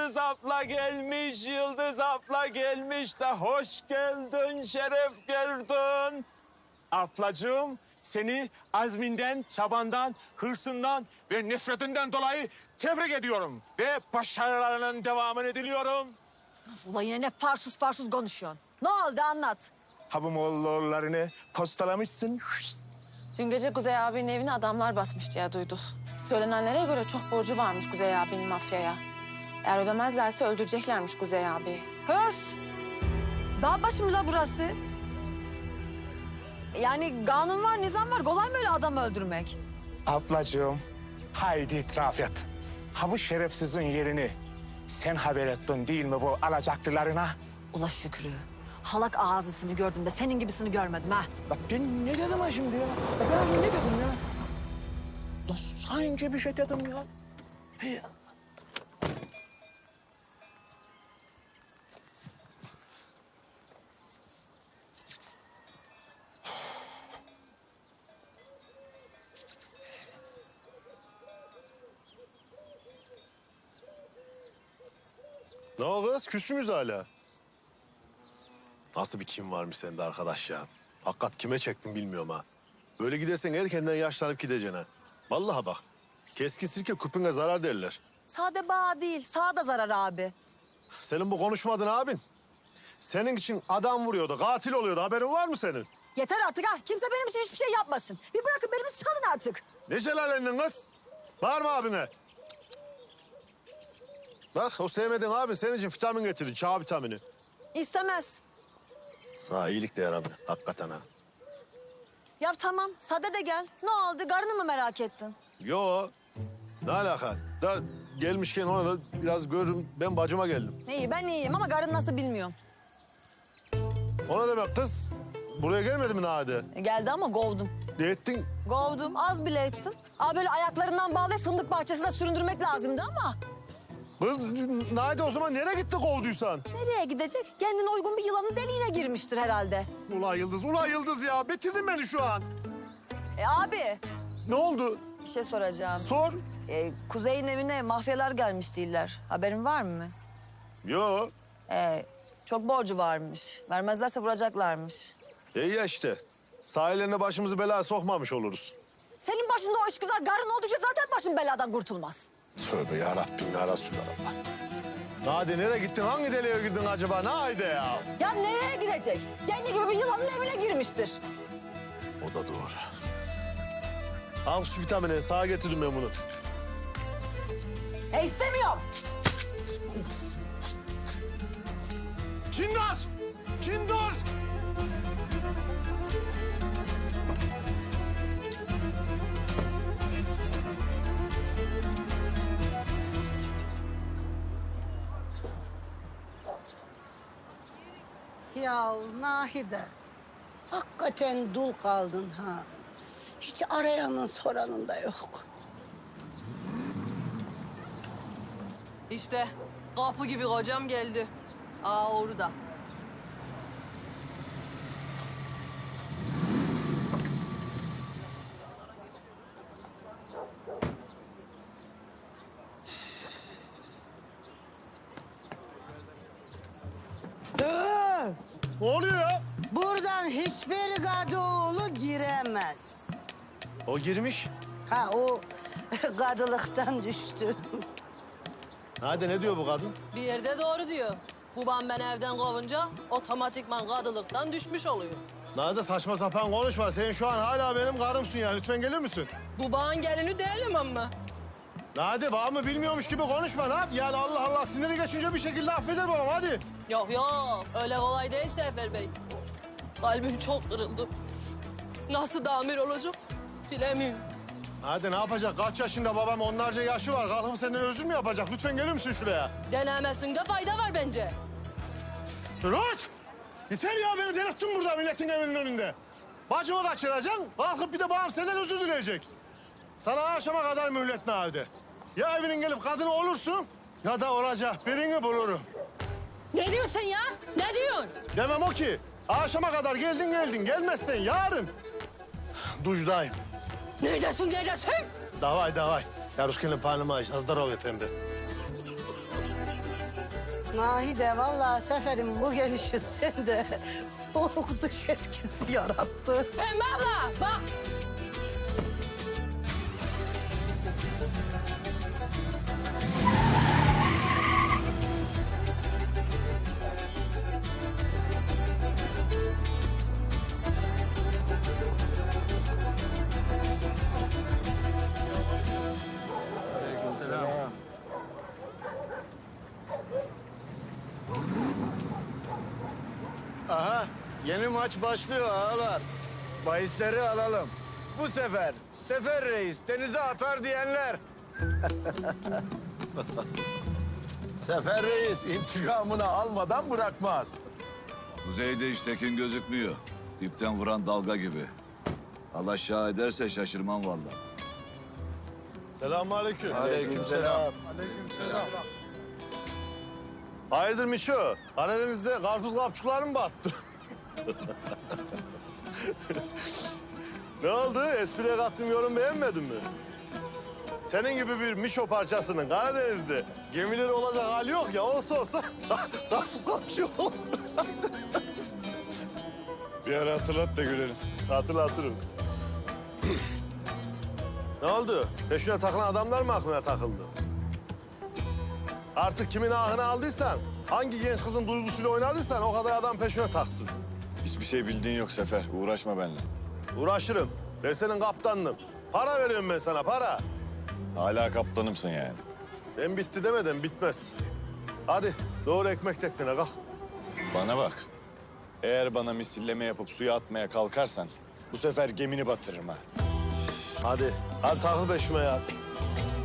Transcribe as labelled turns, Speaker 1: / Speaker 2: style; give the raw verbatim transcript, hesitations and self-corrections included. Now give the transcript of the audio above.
Speaker 1: Yıldız abla gelmiş, Yıldız abla gelmiş de hoş geldin, şeref geldin. Ablacığım, seni azminden, çabandan, hırsından ve nefretinden dolayı tebrik ediyorum. Ve başarılarının devamını diliyorum.
Speaker 2: Ulan yine ne farsuz farsuz konuşuyorsun. Ne oldu anlat.
Speaker 1: Habumoğullarını postalamışsın.
Speaker 3: Dün gece Kuzey abinin evine adamlar basmış diye duyduk. Söylenenlere göre çok borcu varmış Kuzey abinin mafyaya. Eğer ödemezlerse öldüreceklermiş Kuzey abiyi.
Speaker 2: Höz. Dağ başı mı la burası? Yani kanun var, nizam var. Kolay mı öyle adam öldürmek?
Speaker 1: Ablacığım, haydi itiraf et. Ha bu şerefsizin yerini sen haber ettin değil mi bu alacaklılarına?
Speaker 2: Ula Şükrü. Halak ağzısını gördüm de senin gibisini görmedim ha.
Speaker 1: Bak ben ne dedim ha şimdi ya? Bak ben ne dedim ya? Da sanki bir şey dedim ya. Hey.
Speaker 4: Ne o kız? Küsünüz hala. Nasıl bir kim varmış sende arkadaş ya? Hakikat kime çektin bilmiyorum ha. Böyle gidersen erkenden yaşlanıp gideceksin ha. Vallahi bak. Keskin sirke küpüne zarar derler.
Speaker 2: Sade bağ değil, sağda zarar abi.
Speaker 4: Senin bu konuşmadın abin. Senin için adam vuruyordu, katil oluyordu. Haberin var mı senin?
Speaker 2: Yeter artık ha. Kimse benim için hiçbir şey yapmasın. Bir bırakın beni bir salın artık.
Speaker 4: Ne celalendin kız? Var mı abine? Bak o sevmediğin abin senin için vitamin getirdi, çağ vitamini.
Speaker 2: İstemez.
Speaker 4: Sağ iyilik de yaradı, hakikaten ha.
Speaker 2: Ya tamam, sade de gel. Ne oldu? Karını mı merak ettin?
Speaker 4: Yo, ne alaka? Da gelmişken ona da biraz görürüm. Ben bacıma geldim.
Speaker 2: İyi, ben iyiyim ama karın nasıl bilmiyorum.
Speaker 4: Ona demek kız. Buraya gelmedi mi Nade?
Speaker 2: E, geldi ama kovdum.
Speaker 4: Ne ettin?
Speaker 2: Kovdum, az bile ettim. Aa böyle ayaklarından bağlayıp fındık bahçesine süründürmek lazımdı ama...
Speaker 4: Kız Nade o zaman nereye gitti kovduysan?
Speaker 2: Nereye gidecek? Kendine uygun bir yılanın deliğine girmiştir herhalde.
Speaker 4: Ulan Yıldız, ulan Yıldız ya. Bitirdin beni şu an.
Speaker 2: E abi,
Speaker 4: Ne oldu?
Speaker 2: bir şey soracağım.
Speaker 4: Sor.
Speaker 2: E, Kuzey'in evine mafyalar gelmiş değiller. Haberin var mı?
Speaker 4: Yo.
Speaker 2: E, çok borcu varmış. Vermezlerse vuracaklarmış.
Speaker 4: İyi ya işte. Sahillerine başımızı belaya sokmamış oluruz.
Speaker 2: Senin başında o işgüzar karın oldukça zaten başın beladan kurtulmaz.
Speaker 4: Tövbe yarabbim ya Resulallah. Nade nereye gittin? Hangi deliğe girdin acaba? Nade ya.
Speaker 2: Ya nereye gidecek? Kendi gibi bir yılanın evine girmiştir.
Speaker 4: O da doğru. Al şu vitamini. Sağa getirdim ben bunu.
Speaker 2: E istemiyorum.
Speaker 4: Kindar! Kindar!
Speaker 5: Ya Nahide, hakikaten dul kaldın ha. Hiç arayanın soranın da yok.
Speaker 6: İşte kapı gibi kocam geldi. Aa orada.
Speaker 5: Dur!
Speaker 4: Ne oluyor ya?
Speaker 5: Buradan hiçbir Kadıoğlu giremez.
Speaker 4: O girmiş.
Speaker 5: Ha o kadılıktan düştü.
Speaker 4: Nade ne diyor bu kadın?
Speaker 6: Bir yerde doğru diyor. Babam ben evden kovunca otomatikman kadılıktan düşmüş oluyor.
Speaker 4: Nade saçma sapan konuşma. Sen şu an hala benim karımsın ya. Lütfen gelir misin?
Speaker 6: Babağın gelini değilim ama.
Speaker 4: Nade babamı bilmiyormuş gibi konuşma. Ne yap? Yani Allah Allah siniri geçince bir şekilde affeder babam hadi.
Speaker 6: Yok yok öyle kolay değil Sefer Bey. Kalbim çok kırıldı. Nasıl damir olacak bilemiyorum.
Speaker 4: Hadi ne yapacak? Kaç yaşında babam? Onlarca yaşı var. Kalkıp senden özür mü yapacak? Lütfen gelir misin şuraya?
Speaker 6: Denemesinde fayda var bence.
Speaker 4: Turut! Yeter ya beni delirttin burada milletin evinin önünde. Bacımı kaçıracaksın. Kalkıp bir de babam senden özür dileyecek. Sana akşama kadar mühlet Nade. Ya evinin gelip kadını olursun ya da olacak birini bulurum.
Speaker 6: Ne diyorsun ya? Ne diyorsun?
Speaker 4: Demem o ki. Akşama kadar geldin geldin. Gelmezsen yarın. Dujdayım.
Speaker 6: Neredesin neredesin?
Speaker 4: Davay davay. Ya Ruskin'in parnıma zdorov efendim.
Speaker 5: Nahide vallahi Sefer'in bu gelişi sende soğuk duş etkisi yarattı.
Speaker 6: Pembe abla bak.
Speaker 7: Aha, yeni maç başlıyor ağalar. Bahisleri alalım. Bu sefer Sefer Reis denize atar diyenler.
Speaker 4: Sefer Reis intikamını almadan bırakmaz.
Speaker 8: Kuzeyde hiç tekin gözükmüyor. Dipten vuran dalga gibi. Allah şah ederse şaşırmam vallahi.
Speaker 4: Selamünaleyküm.
Speaker 7: Aleykümselam.
Speaker 4: Aleykümselam. Hayırdır Mişo? Karadeniz'de karpuz kapçukları mı battı? Ne oldu? Espriye kattığım yorum beğenmedin mi? Senin gibi bir Mişo parçasının Karadeniz'de gemileri olacak hali yok ya. Olsa olsa karpuz kapçığı olur. Bir ara hatırlat da görelim. Hatırlatırım. Ne oldu? Peşine takılan adamlar mı aklına takıldı? Artık kimin ahını aldıysan, hangi genç kızın duygusuyla oynadıysan o kadar adam peşine taktın.
Speaker 9: Hiçbir şey bildiğin yok Sefer. Uğraşma benimle.
Speaker 4: Uğraşırım. Ben senin kaptanınım. Para veriyorum ben sana, para.
Speaker 9: Hala kaptanımsın yani.
Speaker 4: Ben bitti demeden bitmez. Hadi doğru ekmek teknene kalk.
Speaker 9: Bana bak. Eğer bana misilleme yapıp suya atmaya kalkarsan bu sefer gemini batırırım ha.
Speaker 4: Hadi, hadi takıl peşime ya.